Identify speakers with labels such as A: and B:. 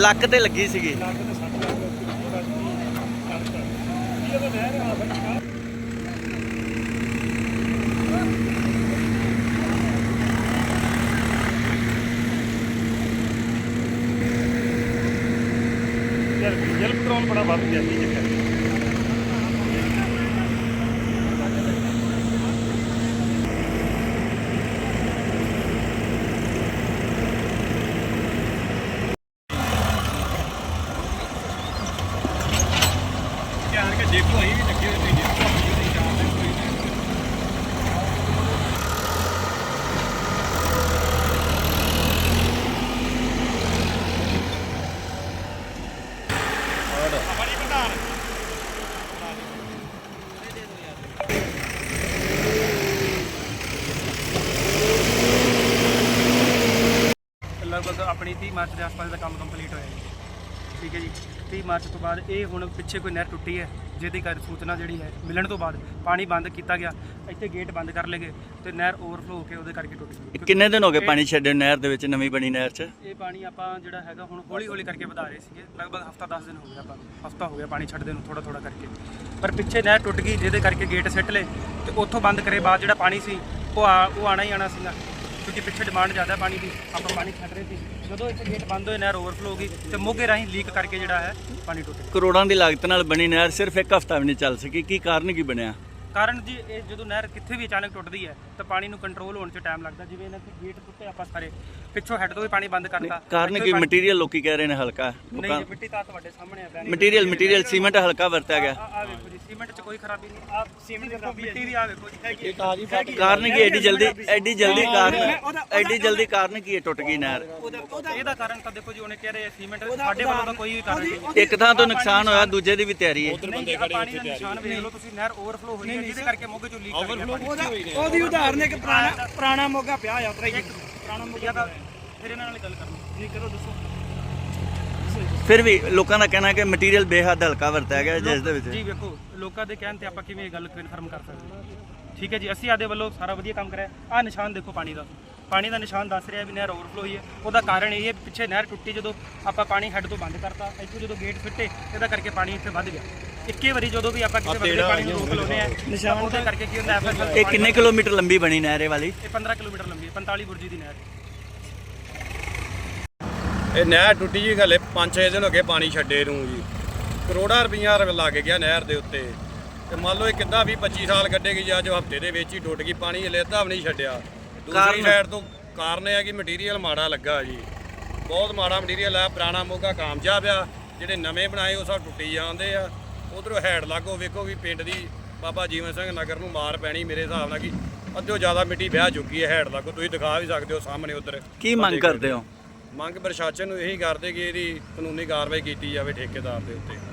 A: ਲੱਕ ਤੇ ਲੱਗੀ ਸੀਗੀ।
B: ਡੀਜ਼ਲ ਪੈਟਰੋਲ ਬੜਾ ਵੱਧ ਗਿਆ ਸੀ ਚੱਕਰ। ਧਿਆਨ ਕੇ ਦੇਖੋ ਅਸੀਂ ਵੀ ਲੱਗੇ ਹੋਏ ਤੁਸੀਂ ਦੇਖੋ ਨਹੀਂ ਜਾਣਦੇ ਕੋਈ ਬੜੀ ਪ੍ਰਧਾਨ ਲਗਭਗ ਆਪਣੀ 30 ਮਾਰਚ ਦੇ ਆਸ-ਪਾਸ ਦਾ ਕੰਮ ਕੰਪਲੀਟ ਹੋਇਆ ਜੀ। ਠੀਕ ਹੈ ਜੀ। 30 ਮਾਰਚ ਤੋਂ ਬਾਅਦ ਇਹ ਹੁਣ ਪਿੱਛੇ ਕੋਈ ਨਹਿਰ ਟੁੱਟੀ ਹੈ ਜਿਹਦੀ ਕਰ ਸੂਚਨਾ ਜਿਹੜੀ ਹੈ ਮਿਲਣ ਤੋਂ ਬਾਅਦ ਪਾਣੀ ਬੰਦ ਕੀਤਾ ਗਿਆ। ਇੱਥੇ ਗੇਟ ਬੰਦ ਕਰ ਲਏ ਗਏ ਤੇ ਨਹਿਰ ਓਵਰਫਲੋ ਹੋ ਕੇ ਉਹਦੇ ਕਰਕੇ ਟੁੱਟ ਗਈ।
A: ਕਿੰਨੇ ਦਿਨ ਹੋ ਗਏ ਪਾਣੀ ਛੱਡੇ ਨਹਿਰ ਦੇ ਵਿੱਚ, ਨਵੀਂ ਬਣੀ ਨਹਿਰ 'ਚ?
B: ਇਹ ਪਾਣੀ ਆਪਾਂ ਜਿਹੜਾ ਹੈਗਾ ਹੁਣ ਹੌਲੀ ਹੌਲੀ ਕਰਕੇ ਵਧਾ ਰਹੇ ਸੀਗੇ। ਲਗਭਗ ਹਫਤਾ 10 ਦਿਨ ਹੋ ਗਿਆ, ਆਪਾਂ ਹਫਤਾ ਹੋ ਗਿਆ ਪਾਣੀ ਛੱਡਦੇ ਨੂੰ ਥੋੜਾ ਥੋੜਾ ਕਰਕੇ। ਪਰ ਪਿੱਛੇ ਨਹਿਰ ਟੁੱਟ ਗਈ ਜਿਹਦੇ ਕਰਕੇ ਗੇਟ ਸਿੱਟ ਲਏ ਤੇ ਉੱਥੋਂ ਬੰਦ ਕਰੇ ਬਾਅਦ ਜਿਹੜਾ ਪਾਣੀ ਸੀ ਉਹ ਆਣਾ ਹੀ ਆਣਾ ਸੀਗਾ, ਕਿਉਂਕਿ ਪਿੱਛੇ ਡਿਮਾਂਡ ਜ਼ਿਆਦਾ ਪਾਣੀ ਦੀ। ਆਪਾਂ ਪਾਣੀ ਛੱਡ ਰਹੇ ਸੀ, ਜਦੋਂ ਇੱਥੇ ਗੇਟ ਬੰਦ ਹੋਏ ਨਹਿਰ ਓਵਰਫਲੋ ਹੋ ਗਈ ਤੇ ਮੋਗੇ ਰਾਹੀਂ ਲੀਕ ਕਰਕੇ ਜਿਹੜਾ ਹੈ ਪਾਣੀ ਟੁੱਟ ਗਿਆ।
A: ਕਰੋੜਾਂ ਦੀ ਲਾਗਤ ਨਾਲ ਬਣੀ ਨਹਿਰ ਸਿਰਫ ਇੱਕ ਹਫ਼ਤਾ ਵੀ ਨਹੀਂ ਚੱਲ ਸਕੀ, ਕੀ ਕਾਰਨ ਕੀ ਬਣਿਆ?
B: ਕਾਰਨ ਜੀ ਇਹ ਜਦੋਂ ਨਹਿਰ ਕਿੱਥੇ ਵੀ ਅਚਾਨਕ ਟੁੱਟਦੀ ਹੈ ਤਾਂ ਪਾਣੀ ਨੂੰ ਕੰਟਰੋਲ ਹੋਣ 'ਚ ਟਾਈਮ ਲੱਗਦਾ। ਜਿਵੇਂ ਇਹਨਾਂ ਦੇ ਗੇਟ ਟੁੱਟੇ ਆਪਾਂ ਸਾਰੇ ਪਿੱਛੋਂ ਹੈੱਡ ਤੋਂ ਵੀ ਪਾਣੀ ਬੰਦ ਕਰਤਾ।
A: ਕਾਰਨ ਕੀ? ਮਟੀਰੀਅਲ ਲੋਕੀ ਕਹਿ ਰਹੇ ਨੇ ਹਲਕਾ।
B: ਨਹੀਂ, ਮਿੱਟੀ ਤਾਂ ਤੁਹਾਡੇ ਸਾਹਮਣੇ ਆ।
A: ਮਟੀਰੀਅਲ ਸੀਮੈਂਟ ਹਲਕਾ ਵਰਤਿਆ ਗਿਆ।
B: ਆ ਵੇਖੋ ਜੀ, ਸੀਮੈਂਟ 'ਚ ਕੋਈ ਖਰਾਬੀ ਨਹੀਂ। ਆ ਸੀਮੈਂਟ ਦੇਖੋ, ਮਿੱਟੀ ਵੀ ਆ ਵੇਖੋ ਜੀ।
A: ਕਾਰਨ ਕੀ? ਐਡੀ ਜਲਦੀ ਕਾਰਨ ਕੀ ਹੈ ਟੁੱਟ ਗਈ ਨਹਿਰ?
B: ਇਹਦਾ ਕਾਰਨ ਤਾਂ ਦੇਖੋ ਜੀ, ਉਹਨੇ ਕਹਿ ਰਹੇ ਸੀਮੈਂਟ, ਸਾਡੇ ਵੱਲੋਂ ਤਾਂ ਕੋਈ ਵੀ ਕਾਰਨ ਨਹੀਂ।
A: ਇੱਕ ਥਾਂ ਤੋਂ ਨੁਕਸਾਨ ਹੋਇਆ, ਦੂਜੇ ਦੀ ਵੀ ਤਿਆਰੀ ਹੈ।
B: ਪਾਣੀ ਦਾ ਨਿਸ਼ਾਨ ਵੇਖ ਲਓ ਤੁਸੀਂ, ਨਹਿਰ ਓਵਰਫਲੋ ਹੋਈ ਹੈ ਜਿਹਦੇ ਕਰਕੇ ਮੋਗੇ 'ਚੋਂ ਲੀਕ ਕਰ ਗਿਆ।
C: ਉਹਦੀ ਉਦਾਹਰਨ ਇੱਕ ਪੁਰਾਣਾ ਮੋਗਾ ਪਿਆ ਆ ਉਤਰਾ ਹੀ ਪੁਰਾਣਾ ਮੋਗਾ
B: ਦਾ। ਫਿਰ ਇਹਨਾਂ ਨਾਲ ਗੱਲ ਕਰਨੀ ਜੀ, ਕਰੋ ਦੱਸੋ।
A: ਫਿਰ ਵੀ ਲੋਕਾਂ ਦਾ ਕਹਿਣਾ ਕਿ ਮਟੀਰੀਅਲ ਬੇਹੱਦ ਹਲਕਾ ਵਰਤਿਆ ਗਿਆ ਜਿਸ ਦੇ ਵਿੱਚ।
B: ਜੀ ਵੇਖੋ, ਲੋਕਾਂ ਦੇ ਕਹਿਣ ਤੇ ਆਪਾਂ ਕਿਵੇਂ ਇਹ ਗੱਲ ਕਨਫਰਮ ਕਰ ਸਕਦੇ? ਠੀਕ ਹੈ ਜੀ, ਅਸੀਂ ਆਦੇ ਵੱਲੋਂ ਸਾਰਾ ਵਧੀਆ ਕੰਮ ਕਰਿਆ। ਆਹ ਨਿਸ਼ਾਨ ਦੇਖੋ ਪਾਣੀ ਦਾ ਨਿਸ਼ਾਨ ਦੱਸ ਰਿਹਾ ਵੀ ਨਹਿਰ ਓਵਰਫਲੋ ਹੋਈ ਹੈ। ਉਹਦਾ ਕਾਰਨ ਇਹ ਹੈ ਪਿੱਛੇ ਨਹਿਰ ਟੁੱਟੀ, ਜਦੋਂ ਆਪਾਂ ਪਾਣੀ ਹੈੱਡ ਤੋਂ ਬੰਦ ਕਰਤਾ, ਇੱਥੋਂ ਜਦੋਂ ਗੇਟ ਫਿੱਟੇ ਇਹਦਾ ਕਰਕੇ ਪਾਣੀ ਇੱਥੇ ਵੱਧ ਗਿਆ। ਇੱਕੇ ਵਾਰੀ ਜਦੋਂ ਵੀ ਆਪਾਂ ਕਿਸੇ ਬੰਦੇ ਪਾਣੀ ਨੂੰ ਰੋਕ ਲਾਉਂਦੇ ਆ ਨਿਸ਼ਾਨ ਉਹਦੇ ਕਰਕੇ ਕੀ ਹੁੰਦਾ ਐਫਐਸਐਲ।
A: ਇਹ ਕਿੰਨੇ ਕਿਲੋਮੀਟਰ ਲੰਬੀ ਬਣੀ ਨਹਿਰ ਇਹ ਵਾਲੀ?
B: ਇਹ 15 ਕਿਲੋਮੀਟਰ ਲੰਬੀ ਹੈ, 45 ਬੁਰਜੀ ਦੀ ਨਹਿਰ।
D: ਇਹ ਨਹਿਰ ਟੁੱਟੀ ਜੀ, ਹਲੇ 5-6 ਦਿਨ ਹੋ ਗਏ ਪਾਣੀ ਛੱਡੇ ਨੂੰ ਜੀ। ਕਰੋੜਾਂ ਰੁਪਈਆ ਲੱਗ ਗਿਆ ਨਹਿਰ ਦੇ ਉੱਤੇ। ਤੇ ਮੰਨ ਲਓ ਇਹ ਕਿੱਦਾਂ 20-25 ਸਾਲ ਕੱਢੇਗੀ ਜਾਂ ਜੋ ਹਫ਼ਤੇ ਦੇ ਵਿੱਚ ਹੀ ਟੁੱਟ ਗਈ। ਪਾਣੀ ਹਲੇ ਅੱਧਾ ਵੀ ਨਹੀਂ ਛੱਡਿਆ। ਦੂਸਰੀ ਸਾਈਡ ਤੋਂ ਕਾਰਨ ਇਹ ਹੈ ਕਿ ਮਟੀਰੀਅਲ ਮਾੜਾ ਲੱਗਾ ਜੀ, ਬਹੁਤ ਮਾੜਾ ਮਟੀਰੀਅਲ ਆ। ਪੁਰਾਣਾ ਮੋਗਾ ਕਾਮਯਾਬ ਆ, ਜਿਹੜੇ ਨਵੇਂ ਬਣਾਏ ਉਹ ਸਭ ਟੁੱਟੀ ਜਾਂਦੇ ਆ। ਉਧਰੋਂ ਹੈਡ ਲਾਗੋ ਵੇਖੋ ਵੀ ਪਿੰਡ ਦੀ ਬਾਬਾ ਜੀਵਨ ਸਿੰਘ ਨਗਰ ਨੂੰ ਮਾਰ ਪੈਣੀ ਮੇਰੇ ਹਿਸਾਬ ਨਾਲ, ਕਿ ਅੱਧਿਓਂ ਜ਼ਿਆਦਾ ਮਿੱਟੀ ਵਹਿ ਚੁੱਕੀ ਹੈ ਹੈਡ ਲਾਗੋ। ਤੁਸੀਂ ਦਿਖਾ ਵੀ ਸਕਦੇ ਹੋ ਸਾਹਮਣੇ ਉਧਰ।
A: ਕੀ ਮੰਗ ਕਰਦੇ ਹੋ?
D: ਮੰਗ ਪ੍ਰਸ਼ਾਸਨ ਨੂੰ ਇਹੀ ਕਰਦੇ ਕਿ ਇਹਦੀ ਕਾਨੂੰਨੀ ਕਾਰਵਾਈ ਕੀਤੀ ਜਾਵੇ ਠੇਕੇਦਾਰ ਦੇ ਉੱਤੇ।